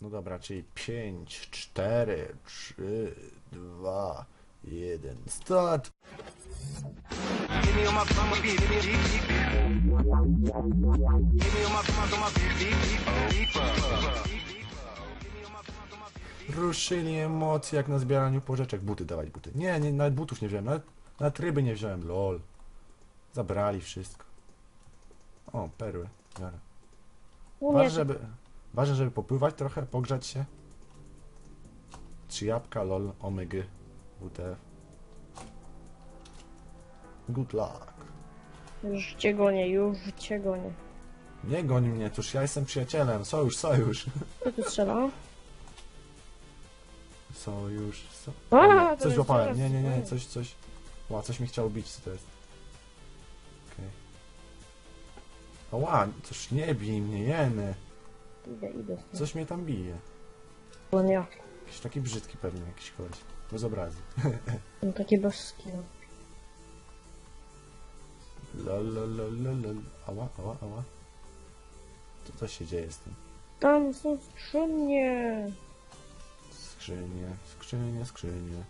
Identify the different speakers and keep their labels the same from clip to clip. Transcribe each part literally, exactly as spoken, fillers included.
Speaker 1: No dobra, czyli pięć, cztery, trzy, dwa, jeden, start! Ruszyli emocje jak na zbieraniu pożyczek. Buty dawać, buty. Nie, nie, nawet butów nie wziąłem, nawet, nawet ryby nie wziąłem, lol. Zabrali wszystko. O, perły. Biorę. Ważne, żeby, ważne, żeby popływać trochę, pogrzać się. Trzy jabłka, lol, omygy, W T F. Good luck.
Speaker 2: Już cię gonię, już cię gonię.
Speaker 1: Nie goń mnie, cóż ja jestem przyjacielem. Sojusz, sojusz.
Speaker 2: Kto tu strzela?
Speaker 1: Sojusz, so...
Speaker 2: A,
Speaker 1: O, nie,
Speaker 2: to
Speaker 1: coś
Speaker 2: jest
Speaker 1: złapałem.
Speaker 2: zaraz,
Speaker 1: Nie, nie, nie,
Speaker 2: nie.
Speaker 1: coś, coś. Ła, coś mi chciało bić, co to jest? Okej. Okay. Ła, coś nie bij mnie, jeny.
Speaker 2: Idę, idę.
Speaker 1: Coś mnie tam bije.
Speaker 2: To nie ja.
Speaker 1: Jakiś taki brzydki pewnie, jakiś koleś. Bez obrazy.
Speaker 2: No takie bez skinu.
Speaker 1: Lol, lol, lol, lol, lol. Ała, ała, ała. Co to się dzieje z tym?
Speaker 2: Tam są skrzynie.
Speaker 1: Skrzynie, skrzynie, skrzynie.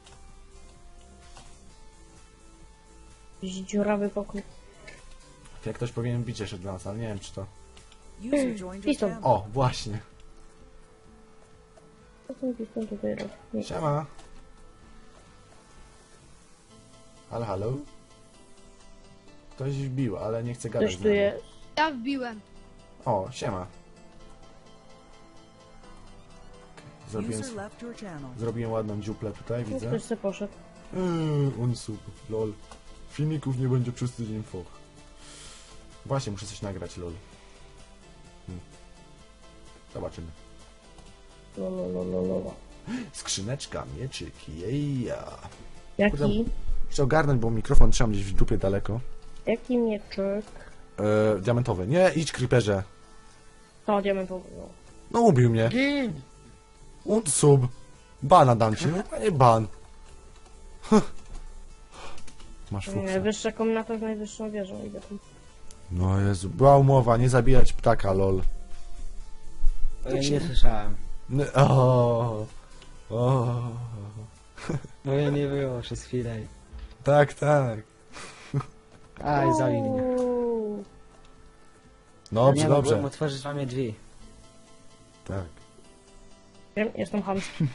Speaker 2: Jakiś dziurawy pokój.
Speaker 1: Jak ktoś powinien bić jeszcze dla nas, ale nie wiem czy to...
Speaker 2: Piston.
Speaker 1: O, właśnie.
Speaker 2: Co ten piston tutaj robi? Nie.
Speaker 1: Siema. Halo, halo? Ktoś wbił, ale nie chce gadać
Speaker 2: Ktoś
Speaker 1: z
Speaker 2: tu
Speaker 1: nami.
Speaker 2: jest.
Speaker 3: Ja wbiłem.
Speaker 1: O, siema. Zrobiłem,
Speaker 4: User left your channel.
Speaker 1: zrobiłem ładną dziuplę tutaj,
Speaker 2: No,
Speaker 1: widzę.
Speaker 2: ktoś se poszedł.
Speaker 1: Eee, unsub, lol. Filmików nie będzie przez tydzień, foch. Właśnie, muszę coś nagrać, lol. Hmm. Zobaczymy.
Speaker 2: No, no, no, no, no.
Speaker 1: Skrzyneczka, mieczyk, jeja.
Speaker 2: Jaki?
Speaker 1: Chcę ogarnąć, bo mikrofon trzymam gdzieś w dupie daleko.
Speaker 2: Jaki mieczyk?
Speaker 1: Eee, diamentowy. Nie, idź, creeperze.
Speaker 2: To diamentowy. No.
Speaker 1: No ubił mnie. Unsub. Bana dam ci, no nie ban. Masz fuksa.
Speaker 2: Najwyższa komnata z najwyższą wieżą. Idę tam.
Speaker 1: No Jezu, była umowa, nie zabijać ptaka, lol.
Speaker 5: Ja nie słyszałem.
Speaker 1: N- O, o.
Speaker 5: Bo ja nie było przez chwilę.
Speaker 1: Tak, tak.
Speaker 5: Aj, zabił mnie.
Speaker 2: Uuu.
Speaker 1: Dobrze,
Speaker 5: nie
Speaker 1: dobrze.
Speaker 5: mogłem otworzyć wam drzwi.
Speaker 1: Tak.
Speaker 2: Wiem, jestem hamski.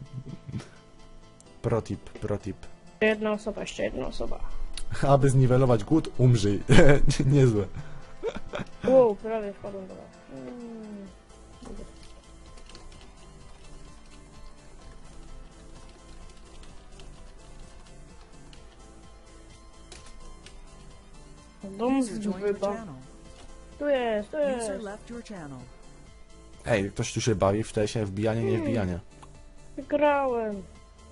Speaker 1: Protip, protip.
Speaker 2: Jeszcze jedna osoba, jeszcze jedna osoba.
Speaker 1: Aby zniwelować głód, umrzyj. Niezłe.
Speaker 2: Wow, prawie wpadłem do was. Mm. Dom
Speaker 4: User
Speaker 2: z
Speaker 4: joined your
Speaker 2: wyba.
Speaker 4: channel.
Speaker 2: Tu jest, tu
Speaker 4: User
Speaker 2: jest.
Speaker 4: left your channel.
Speaker 1: Ej, ktoś tu się bawi w tesie, wbijanie, nie wbijanie.
Speaker 2: Wygrałem.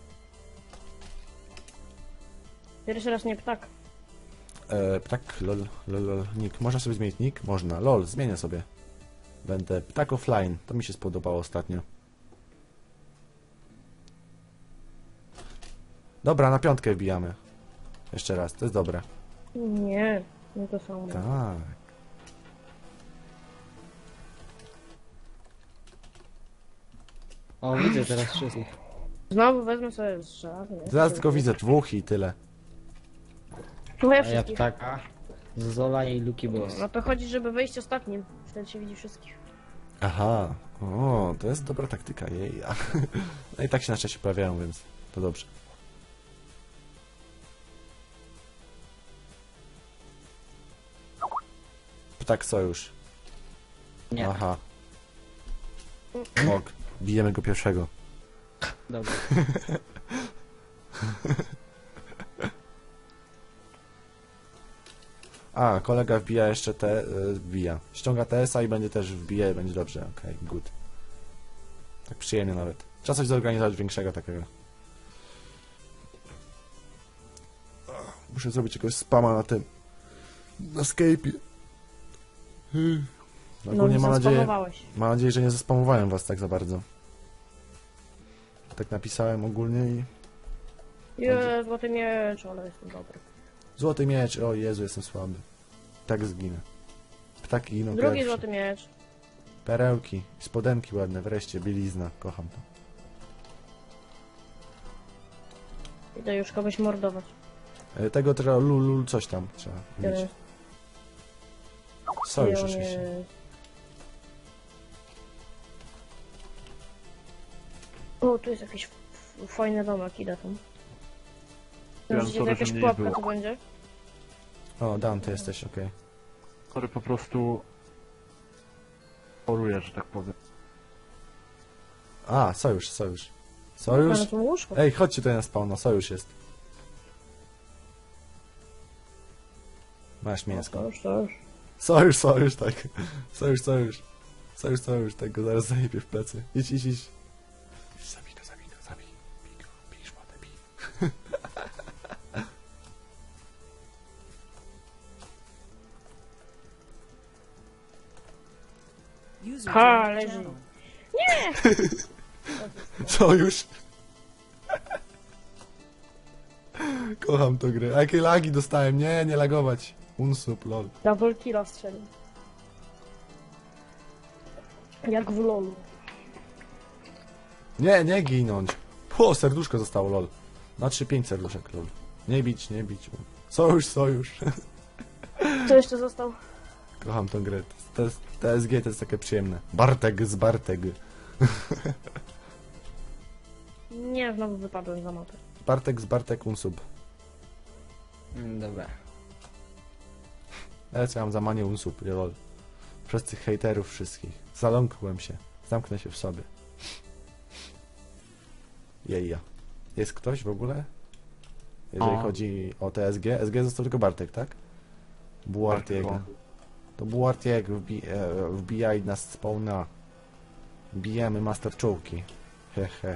Speaker 2: Pierwszy raz nie ptak.
Speaker 1: E, ptak, lol, lol, lol, nick. Można sobie zmienić nick? Można. Lol, zmienię sobie. Będę ptak offline. To mi się spodobało ostatnio. Dobra, na piątkę wbijamy. Jeszcze raz, to jest dobre.
Speaker 2: Nie, nie to samo.
Speaker 1: Tak.
Speaker 5: O, widzę teraz wszystkich.
Speaker 2: Znowu wezmę sobie strzelanie.
Speaker 1: Zaraz tylko widzę dwóch i tyle.
Speaker 2: No ja
Speaker 5: A ja
Speaker 2: wszystkich.
Speaker 5: ptaka, Zola i Luki Boss.
Speaker 2: No to chodzi, żeby wejść ostatnim. Wtedy się widzi wszystkich.
Speaker 1: Aha. O, to jest dobra taktyka, jej. No i tak się na szczęście pojawiają, więc to dobrze. Ptak sojusz.
Speaker 5: Nie,
Speaker 1: Aha. Ok. Bijemy go pierwszego.
Speaker 5: dobra.
Speaker 1: A, kolega wbija jeszcze te... y, wbija. Ściąga T S a i będzie też wbije, będzie dobrze. Okej, okay, good. Tak przyjemnie nawet. Trzeba coś zorganizować większego takiego. Muszę zrobić jakiegoś spama na tym... na Skype'ie. Hmm. Ogólnie
Speaker 2: no,
Speaker 1: mam nadzieję...
Speaker 2: zaspamowałeś.
Speaker 1: Mam nadzieję, że nie zaspamowałem was tak za bardzo. Tak napisałem ogólnie i...
Speaker 2: Je, złoty miecz, ale jestem dobry.
Speaker 1: Złoty miecz, o Jezu, jestem słaby. Tak zginę. Ptaki giną
Speaker 2: Drugi
Speaker 1: pierwsze.
Speaker 2: złoty miecz.
Speaker 1: Perełki, spodenki ładne, wreszcie, bielizna, kocham to.
Speaker 2: Idę już kogoś mordować.
Speaker 1: E, Tego trzeba, lul, lul, coś tam trzeba
Speaker 2: Tyle.
Speaker 1: mieć. Sojusz
Speaker 2: I on
Speaker 1: oczywiście.
Speaker 2: jest- O, tu jest jakiś f- fajny domek, idę tam.
Speaker 3: Wiem,
Speaker 2: Myślicie, to
Speaker 3: sorry,
Speaker 2: jakaś
Speaker 3: że mnie nie
Speaker 2: pułapka
Speaker 3: było.
Speaker 2: tu będzie?
Speaker 1: O, Dan, ty jesteś, okej.
Speaker 3: Sorry, po prostu... Choruję, że tak powiem.
Speaker 1: A, sojusz, sojusz. Sojusz?
Speaker 2: Ale tu łóżko.
Speaker 1: Ej, chodźcie tutaj na spawna, sojusz jest. Masz
Speaker 2: To
Speaker 1: mięsko.
Speaker 2: już, to już.
Speaker 1: Sojusz, sojusz, tak. Sojusz, sojusz. Sojusz, sojusz, tak go zaraz zajebie w plecy. Idź, idź, idź. Zabij go, zabij go, zabij. Bij go, bij szmatę, bij.
Speaker 4: User
Speaker 2: Ha,
Speaker 4: joined your
Speaker 2: leży.
Speaker 4: channel.
Speaker 1: Sojusz. Kocham tą grę. A jakie lagi dostałem? Nie, nie lagować. Unsub, lol.
Speaker 2: Double killa strzelił. Jak w lolu.
Speaker 1: Nie, nie ginąć. Po, serduszko zostało, lol. Na trzy pięć serduszek, lol. Nie bić, nie bić. Sojusz, sojusz.
Speaker 2: Co jeszcze został?
Speaker 1: Kocham tą grę. To jest, T S G to jest takie przyjemne. Bartek z Bartek.
Speaker 2: Nie, znowu wypadłem za mapę.
Speaker 1: Bartek z Bartek unsub.
Speaker 5: Mm, Dobra.
Speaker 1: Ja co ja mam za manię unsub, lol. Przez tych hejterów wszystkich. Zaląkłem się. Zamknę się w sobie. Jeja. Jest ktoś w ogóle? Jeżeli
Speaker 3: O.
Speaker 1: chodzi o T S G. S G został tylko Bartek, tak? Buartiego.
Speaker 3: Bartek,
Speaker 1: To Buartiego wbi e, wbijaj nas spawna. Bijemy master czołki. Hehe.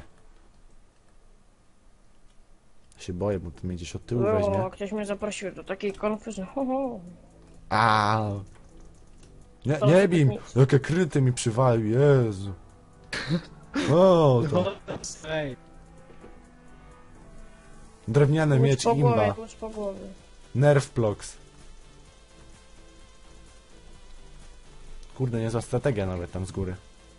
Speaker 1: Się boję, bo to mnie gdzieś od tyłu weźmie.
Speaker 2: O, ktoś mnie zaprosił do takiej konfy, że ho, ho.
Speaker 1: A. Nie,
Speaker 2: To
Speaker 1: nie
Speaker 2: żeby
Speaker 1: bij!
Speaker 2: nic.
Speaker 1: Jakie kryty mi przywalił, Jezu. O, to.
Speaker 5: Ej.
Speaker 1: Drewniany
Speaker 2: Tłucz
Speaker 1: miecz
Speaker 2: po głowie,
Speaker 1: imba.
Speaker 2: tłucz po głowie.
Speaker 1: Nerf Plox. Kurde, niezła strategia nawet tam z góry.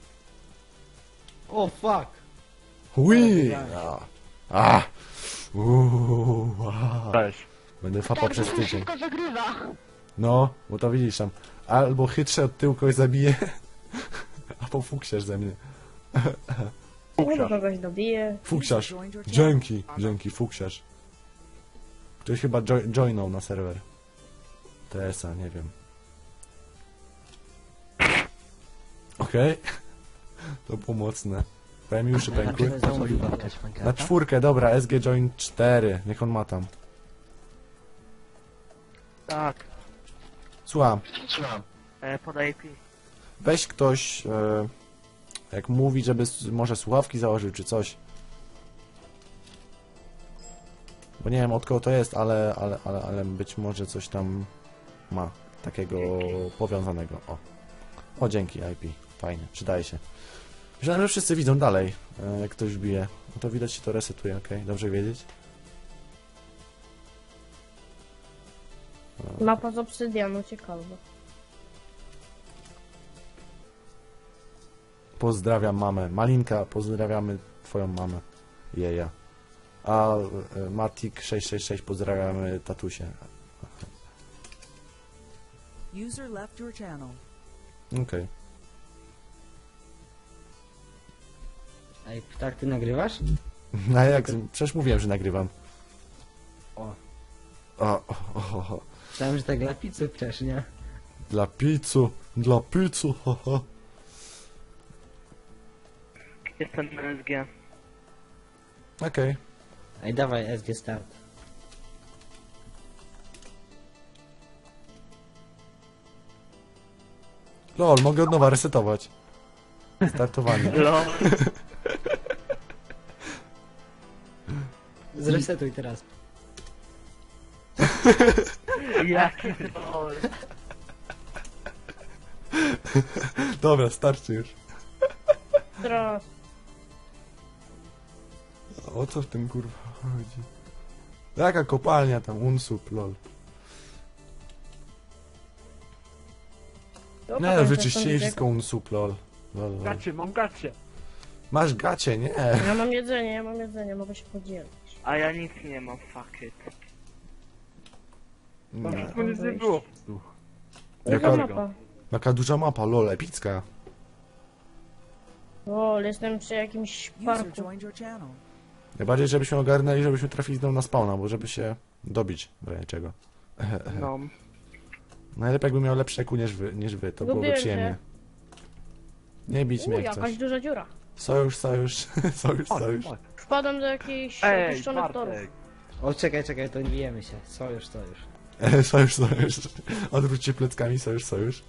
Speaker 5: O, fuck!
Speaker 1: Hui!
Speaker 5: Ale
Speaker 1: A. A. Uuu, a.
Speaker 3: Cześć.
Speaker 1: Będę fapał przez tydzień. No, bo to widzisz tam. Albo chytrze od tyłu kogoś zabije, albo fuksiarz ze mnie.
Speaker 2: Nie do
Speaker 3: Fuksiarz.
Speaker 2: kogoś dobije.
Speaker 1: Fuksiarz.
Speaker 4: Joined your channel.
Speaker 1: Dzięki, dzięki, fuksiarz. Ktoś chyba jo joinął na serwer. T S a, nie wiem. Okej. To było mocne. Prawie mi uszy pękły.
Speaker 5: Najpierw znowu wypadać,
Speaker 1: Na czwórkę, dobra, S G join cztery. Niech on ma tam.
Speaker 6: Tak,
Speaker 1: Słucham.
Speaker 6: e, podaj pi.
Speaker 1: Weź ktoś, e, jak mówi, żeby s- może słuchawki założył, czy coś. Bo nie wiem od kogo to jest, ale, ale, ale, ale być może coś tam ma takiego powiązanego. O, o dzięki I P, fajnie, przydaje się. Myślałem, że wszyscy widzą dalej, e, jak ktoś bije. No to widać się to resetuje, ok? Dobrze wiedzieć?
Speaker 2: Mapa z obsydianu, ciekawe.
Speaker 1: Pozdrawiam mamę. Malinka, pozdrawiamy twoją mamę. Jeja. A e, Matik sześć sześć sześć pozdrawiamy tatusie.
Speaker 4: User left your channel.
Speaker 1: Okej.
Speaker 5: Ej, tak ty nagrywasz?
Speaker 1: A jak? Przecież mówiłem, że nagrywam.
Speaker 5: O.
Speaker 1: O, o, o, o.
Speaker 5: Myślałem, że tak dla pizzy też, nie?
Speaker 1: Dla pizzu, dla pizzu, ho, ho.
Speaker 6: Jestem na S G.
Speaker 1: Okej.
Speaker 5: Ej, dawaj S G start.
Speaker 1: Lol, mogę od nowa resetować. Startowanie.
Speaker 6: Lol.
Speaker 5: Zresetuj teraz.
Speaker 6: Jaki lol.
Speaker 1: Dobra, starczy już.
Speaker 2: Teraz.
Speaker 1: O co w tym kurwa chodzi? Jaka kopalnia tam, unsub, lol.
Speaker 2: To
Speaker 1: Nie,
Speaker 2: potem
Speaker 1: no, wyczyścili
Speaker 2: zastąpię.
Speaker 1: wszystko unsub, lol. lol, lol.
Speaker 3: Gacie, mam gacie.
Speaker 1: Masz gacie, nie?
Speaker 2: Ja mam jedzenie, ja mam jedzenie, mogę się podzielić.
Speaker 6: A ja nic nie mam, fuck it.
Speaker 3: Tam
Speaker 1: nie.
Speaker 3: wszystko nic nie było.
Speaker 1: Jaka-
Speaker 2: Jaka mapa?
Speaker 1: Jaka duża mapa, lol, epicka.
Speaker 2: O, jestem przy jakimś
Speaker 4: User
Speaker 2: parku.
Speaker 4: joined your channel.
Speaker 1: Najbardziej, żebyśmy ogarnęli, żebyśmy trafili znowu na spawna, bo żeby się dobić w razie czego.
Speaker 6: No.
Speaker 1: Najlepiej jakbym miał lepsze eku niż wy, niż wy, to byłoby
Speaker 2: Lubię
Speaker 1: przyjemnie. Nie bić
Speaker 2: U,
Speaker 1: mnie w
Speaker 2: jakaś
Speaker 1: coś.
Speaker 2: duża dziura.
Speaker 1: Sojusz, sojusz, sojusz, sojusz.
Speaker 2: Wpadam do jakichś
Speaker 3: Ej,
Speaker 2: opuszczonych torów.
Speaker 3: Bartek.
Speaker 5: O, czekaj, czekaj, to nie bijemy się. Sojusz, sojusz.
Speaker 1: Sojusz, sojusz. Odwróćcie pleckami, sojusz, sojusz.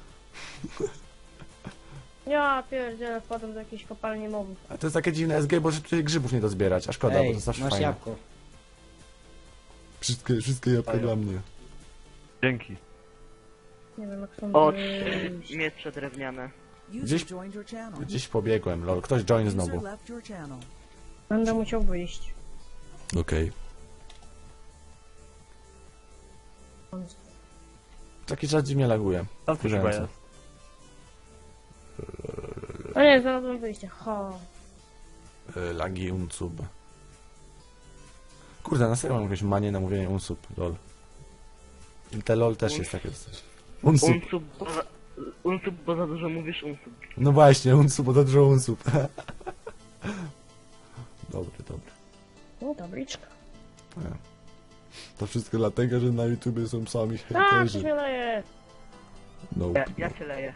Speaker 2: Ja pierdzielę, wpadam do jakiejś kopalni mobów.
Speaker 1: A to jest takie dziwne S G, bo że tutaj grzybów nie do zbierać, a szkoda, bo
Speaker 5: Ej,
Speaker 1: to zawsze
Speaker 5: masz
Speaker 1: fajne.
Speaker 5: jabłko.
Speaker 1: Wszystkie, wszystkie jabłka
Speaker 3: Daję.
Speaker 1: dla mnie.
Speaker 3: Dzięki.
Speaker 2: Nie wiem jak są...
Speaker 6: O,
Speaker 2: wyjść.
Speaker 6: trzy miecze drewniane.
Speaker 4: User
Speaker 1: Gdzieś-
Speaker 4: joined your channel.
Speaker 1: Gdzieś pobiegłem, lol. Ktoś join
Speaker 4: User
Speaker 1: znowu.
Speaker 4: left your channel.
Speaker 2: Będę musiał wyjść.
Speaker 1: Okej. Taki czas dziwnie laguje.
Speaker 3: Tam coś chyba
Speaker 1: Wkurzające.
Speaker 3: jest.
Speaker 2: O nie, znalazłem wyjście. Ha.
Speaker 1: Y, Lagi unsub. Kurde, na serio mam jakąś manię na mówienie unsub, lol. I te lol też jest takie coś. Unsub.
Speaker 6: Unsub, bo za, unsub, bo za dużo mówisz unsub.
Speaker 1: No właśnie, unsub, bo to dużo unsub. Dobry, dobry.
Speaker 2: No, tabliczka.
Speaker 1: To wszystko dlatego, że na YouTubie są sami
Speaker 2: A, coś
Speaker 1: hejterzy.
Speaker 2: mnie daje.
Speaker 1: No.
Speaker 6: Ja, ja cię leję.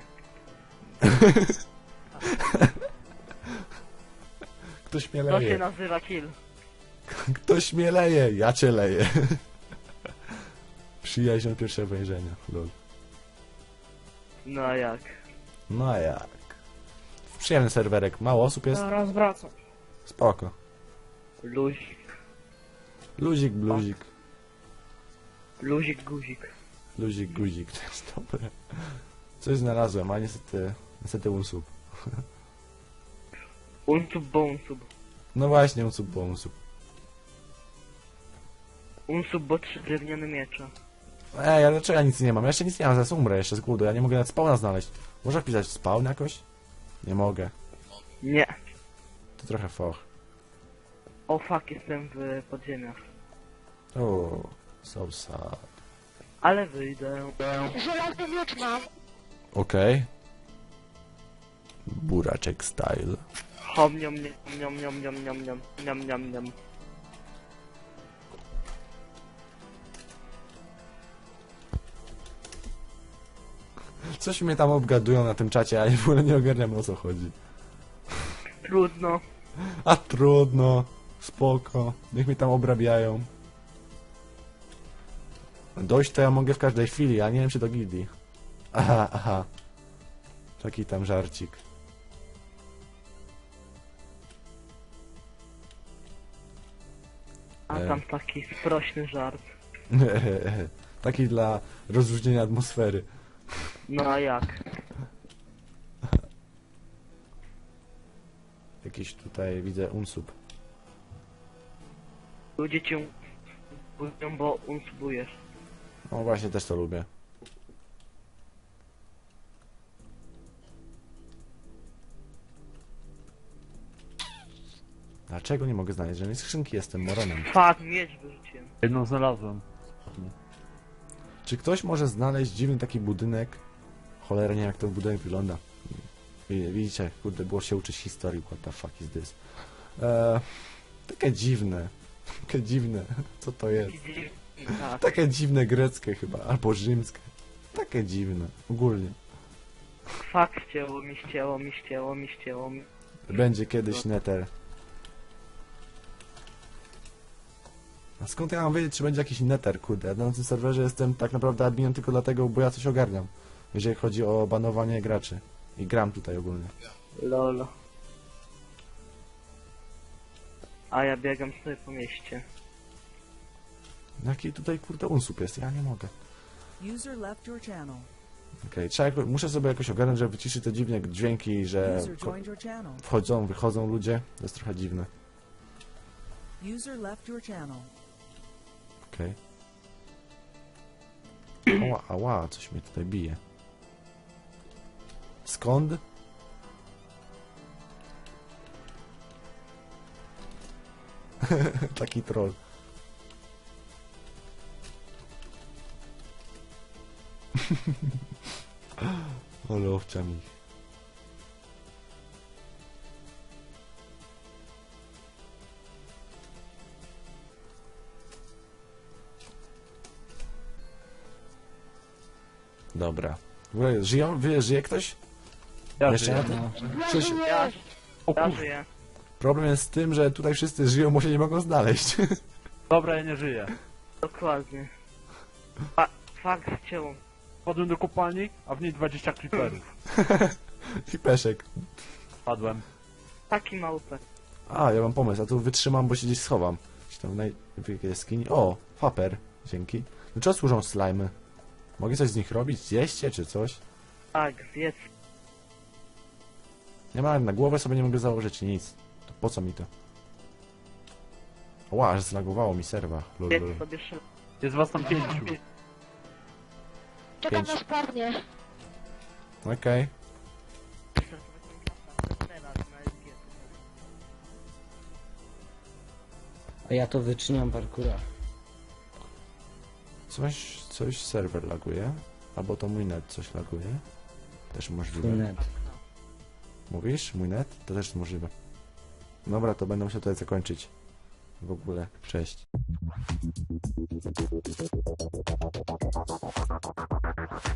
Speaker 1: Ktoś mnie
Speaker 6: To się
Speaker 1: leje.
Speaker 6: nazywa kill.
Speaker 1: Ktoś mnie leje, ja cię leję. Przyjaźń od pierwszego wejrzenia, lol.
Speaker 6: No a jak?
Speaker 1: No a jak? Przyjemny serwerek, mało osób jest,
Speaker 2: Zaraz wracam.
Speaker 1: spoko.
Speaker 6: Luzik,
Speaker 1: Luzik, bluzik,
Speaker 6: luzik, guzik.
Speaker 1: luzik, guzik, to jest dobre. Coś znalazłem, a niestety, niestety unsub.
Speaker 6: Unsub, bo unsub.
Speaker 1: No właśnie, unsub, bo unsub.
Speaker 6: Unsub, bo trzy drewniane miecze.
Speaker 1: Ej, ale dlaczego ja nic nie mam? Ja jeszcze nic nie mam, zaraz umrę jeszcze z głodu, ja nie mogę nawet spawna znaleźć. Można wpisać spawn jakoś? Nie mogę.
Speaker 6: Nie.
Speaker 1: To trochę foch.
Speaker 6: O fuck, jestem w podziemiach.
Speaker 1: O, so sad.
Speaker 6: Ale wyjdę.
Speaker 2: Żelazny miecz mam.
Speaker 1: Okej. Buraczek style.
Speaker 6: Hom, niom, niom, niom, niom, niom, niom, niom, niom, niom.
Speaker 1: Coś mnie tam obgadują na tym czacie, a ja w ogóle nie ogarniam, o co chodzi.
Speaker 6: Trudno.
Speaker 1: A trudno, spoko, niech mnie tam obrabiają. Dojść to ja mogę w każdej chwili, a nie wiem czy do gildii. Aha, aha. Taki tam żarcik.
Speaker 6: A
Speaker 1: E.
Speaker 6: tam taki sprośny żart.
Speaker 1: Taki dla rozluźnienia atmosfery.
Speaker 6: No a jak?
Speaker 1: Jakiś tutaj widzę unsub.
Speaker 6: Ludzie cię budzą, bo unsubujesz.
Speaker 1: No właśnie, też to lubię. Dlaczego nie mogę znaleźć żadnej skrzynki? Jestem moronem.
Speaker 6: Fuck, miecz wyrzuciłem.
Speaker 3: Jedną znalazłem.
Speaker 1: Czy ktoś może znaleźć dziwny taki budynek? Cholera, nie wiem jak ten budynek wygląda. Wi- Widzicie, kurde, było się uczyć historii. What the fuck is this? Eee, takie dziwne. Takie dziwne. Co to jest?
Speaker 6: Tak.
Speaker 1: Takie dziwne greckie chyba, albo rzymskie. Takie dziwne, ogólnie.
Speaker 6: Fuck, ścięło mi, ścięło mi, ścięło mi, ścięło mi.
Speaker 1: Będzie kiedyś neter. A skąd ja mam wiedzieć, czy będzie jakiś neter, kurde? Na tym serwerze jestem tak naprawdę adminem tylko dlatego, bo ja coś ogarniam. Jeżeli chodzi o banowanie graczy. I gram tutaj ogólnie.
Speaker 6: Lol. A ja biegam sobie po mieście.
Speaker 1: Jaki tutaj kurde unsub jest? Ja nie mogę.
Speaker 4: User left your channel.
Speaker 1: Okej, trzeba jako, muszę sobie jakoś ogarnąć, żeby wyciszyć te dziwne dźwięki, że
Speaker 4: User
Speaker 1: ko-
Speaker 4: joined your channel.
Speaker 1: wchodzą, wychodzą ludzie. To jest trochę dziwne.
Speaker 4: User left your channel.
Speaker 1: Okej. Ała, ała, coś mnie tutaj bije. Skąd? Taki troll. Ale owczami. Dobra. W ogóle żyją? Wie, żyje ktoś?
Speaker 3: Ja
Speaker 1: Jeszcze
Speaker 3: żyję.
Speaker 1: na tym?
Speaker 5: No.
Speaker 1: Przecież
Speaker 6: Ja,
Speaker 3: O
Speaker 6: ja
Speaker 3: kur...
Speaker 6: żyję.
Speaker 1: problem jest z tym, że tutaj wszyscy żyją, bo się nie mogą znaleźć.
Speaker 3: Dobra, ja nie żyję.
Speaker 6: Dokładnie. Fa fakt cię.
Speaker 3: Wpadłem do kopalni, a w niej dwadzieścia creeperów.
Speaker 1: I peszek.
Speaker 3: Padłem.
Speaker 6: Taki małpek.
Speaker 1: A, ja mam pomysł, a tu wytrzymam, bo się gdzieś schowam. Gdzieś tam naj... w jaskini. O, faper. Dzięki. Do czego służą slimy? Mogę coś z nich robić? Zjeść je, czy coś?
Speaker 6: Tak, zjedz.
Speaker 1: Nie ma, na głowę sobie nie mogę założyć nic. To po co mi to? Ła, aż zlagowało mi serwa. Lul, lul.
Speaker 6: Zjedz sobie szybko.
Speaker 3: Jest was tam pięciu.
Speaker 2: Czekam
Speaker 1: Pięć.
Speaker 2: na spadnie.
Speaker 1: Okej.
Speaker 6: Teraz na S G.
Speaker 5: A ja to wyczyniam parkura.
Speaker 1: Coś, coś serwer laguje. Albo to mój net coś laguje. Też możliwe.
Speaker 5: Twój net.
Speaker 1: Mówisz? Mój net? To też możliwe. Dobra, to będę musiał tutaj zakończyć. W ogóle. Cześć.